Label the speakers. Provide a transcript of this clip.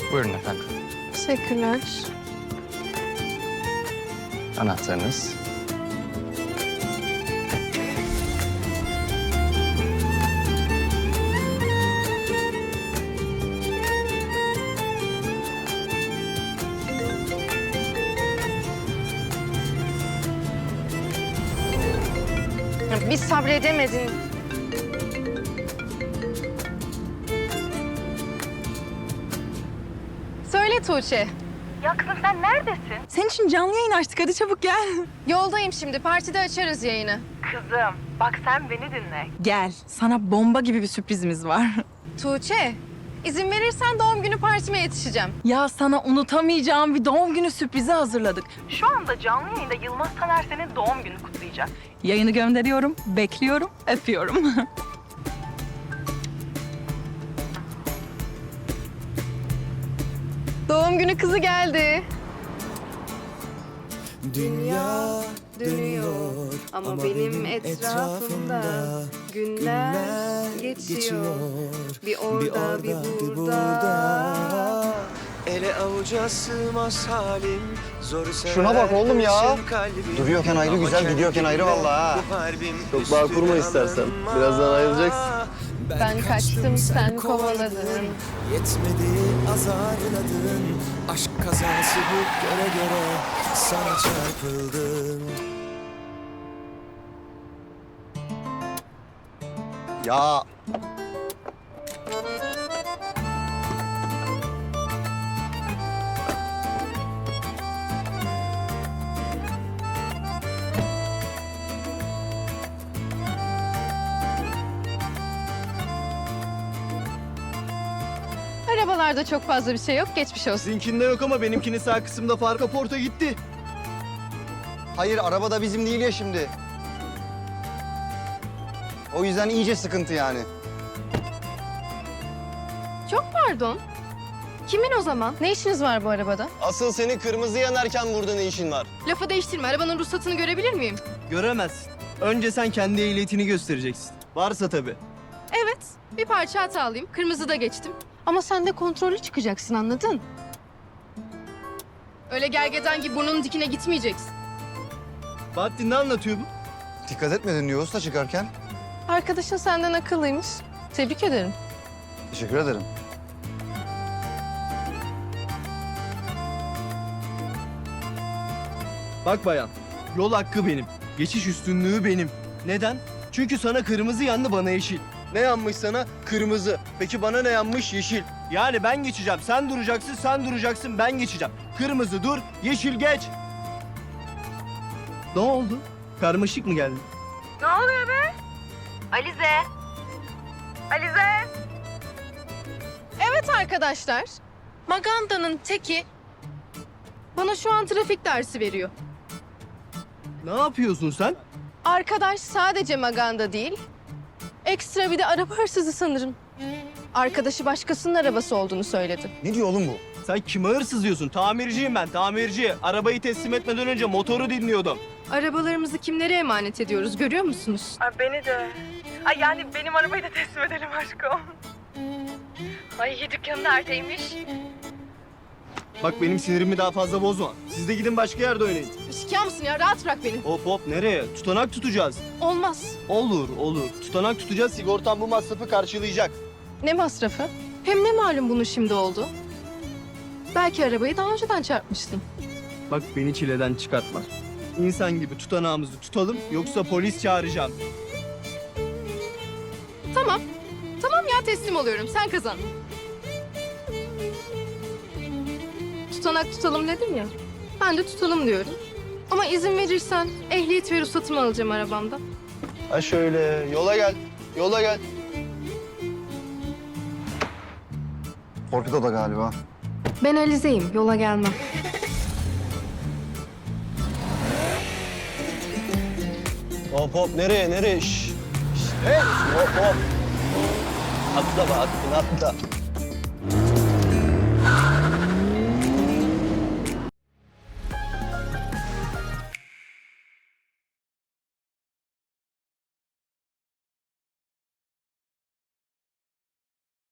Speaker 1: Buyurun efendim.
Speaker 2: Teşekkürler.
Speaker 1: Anahtarınız.
Speaker 2: Bir sabredemedin. Söyle Tuğçe.
Speaker 3: Ya kızım sen neredesin?
Speaker 4: Senin için canlı yayın açtık. Hadi çabuk gel.
Speaker 2: Yoldayım şimdi. Partide açarız yayını.
Speaker 3: Kızım bak sen beni dinle.
Speaker 4: Gel. Sana bomba gibi bir sürprizimiz var.
Speaker 2: Tuğçe, izin verirsen doğum günü partime yetişeceğim.
Speaker 4: Ya sana unutamayacağım bir doğum günü sürprizi hazırladık.
Speaker 3: Şu anda canlı yayında Yılmaz Taner senin doğum günü kutlayacak.
Speaker 4: Yayını gönderiyorum, bekliyorum, öpüyorum.
Speaker 2: Doğum günü kızı geldi.
Speaker 5: Dünya
Speaker 2: Dönüyor ama benim etrafımda günler geçiyor. Bir orada bir burada.
Speaker 5: Ele avuca sığmaz halim. Zor
Speaker 6: Şuna bak oğlum ya.
Speaker 5: kalbim.
Speaker 6: Duruyorken ayrı
Speaker 5: Ama
Speaker 6: güzel, gidiyorken ayrı
Speaker 5: kendime
Speaker 6: vallahi ha.
Speaker 5: bu harbim
Speaker 6: Çok bağ kurma
Speaker 5: üstüne
Speaker 6: istersen.
Speaker 5: alınma.
Speaker 6: Birazdan ayrılacaksın.
Speaker 2: Ben kaçtım, sen kovaladın.
Speaker 5: Yetmedi azarladın. Aşk kazası bu göre göre sana çarpıldım.
Speaker 6: Ya
Speaker 2: Arabalarda çok fazla bir şey yok, geçmiş olsun.
Speaker 7: Sizinkinde yok ama benimkinin sağ kısımda far kaporta gitti.
Speaker 6: hayır, araba da bizim değil ya şimdi. O yüzden iyice sıkıntı yani.
Speaker 2: Çok pardon. Kimin o zaman? Ne işiniz var bu arabada?
Speaker 7: Asıl senin kırmızı yanarken burada ne işin var?
Speaker 2: Lafı değiştirme, arabanın ruhsatını görebilir miyim?
Speaker 7: Göremezsin. Önce sen kendi ehliyetini göstereceksin. Varsa tabii.
Speaker 2: Evet, bir parça hatalıyım. Kırmızıda geçtim. Ama sen de kontrollü çıkacaksın, anladın? Öyle gergedan gibi burnunun dikine gitmeyeceksin.
Speaker 7: Bahattin ne anlatıyor bu?
Speaker 6: Dikkat etmedin diyor usta çıkarken.
Speaker 2: Arkadaşın senden akıllıymış. Tebrik ederim.
Speaker 6: Teşekkür ederim.
Speaker 7: Bak bayan, yol hakkı benim. Geçiş üstünlüğü benim. Neden? Çünkü sana kırmızı yandı, bana yeşil. Ne yanmış sana? Kırmızı. Peki bana ne yanmış? Yeşil. Yani ben geçeceğim. Sen duracaksın, sen duracaksın, ben geçeceğim. Kırmızı dur, yeşil geç. Ne oldu? Karmaşık mı geldi?
Speaker 3: Ne oluyor be? Alize. Alize.
Speaker 2: Evet arkadaşlar, Maganda'nın teki bana şu an trafik dersi veriyor.
Speaker 7: Ne yapıyorsun sen?
Speaker 2: Arkadaş sadece Maganda değil, ekstra bir de araba hırsızı sanırım. Arkadaşı başkasının arabası olduğunu söyledi.
Speaker 6: Ne diyor oğlum bu?
Speaker 7: Sen kime hırsız diyorsun? Tamirciyim ben, tamirci. Arabayı teslim etmeden önce motoru dinliyordum.
Speaker 2: Arabalarımızı kimlere emanet ediyoruz görüyor musunuz?
Speaker 3: Ay beni de. Ay yani benim arabayı da teslim edelim aşkım. Ay dükkanı neredeymiş?
Speaker 7: Bak benim sinirimi daha fazla bozma. Siz de gidin başka yerde oynayın.
Speaker 2: Şikâr mısın ya? Rahat bırak beni.
Speaker 7: Hop hop nereye? Tutanak tutacağız.
Speaker 2: Olmaz.
Speaker 7: Olur olur. Tutanak tutacağız. Sigortan bu masrafı karşılayacak.
Speaker 2: Ne masrafı? Hem ne malum bunun şimdi oldu? Belki arabayı daha önceden çarpmıştın.
Speaker 7: Bak beni çileden çıkartma. İnsan gibi tutanağımızı tutalım yoksa polis çağıracağım.
Speaker 2: Tamam. Tamam ya teslim oluyorum. Sen kazan. Tutanak tutalım dedim ya. Ben de tutalım diyorum. Ama izin verirsen ehliyet ve ruhsatımı alacağım arabamda.
Speaker 7: Ha şöyle yola gel. Yola gel.
Speaker 6: Torpido da galiba.
Speaker 2: Ben Alize'yim. Yola gelmem.
Speaker 7: Hop hop nereye nereye? Şş. Hey hop hop. Atla be atla atla.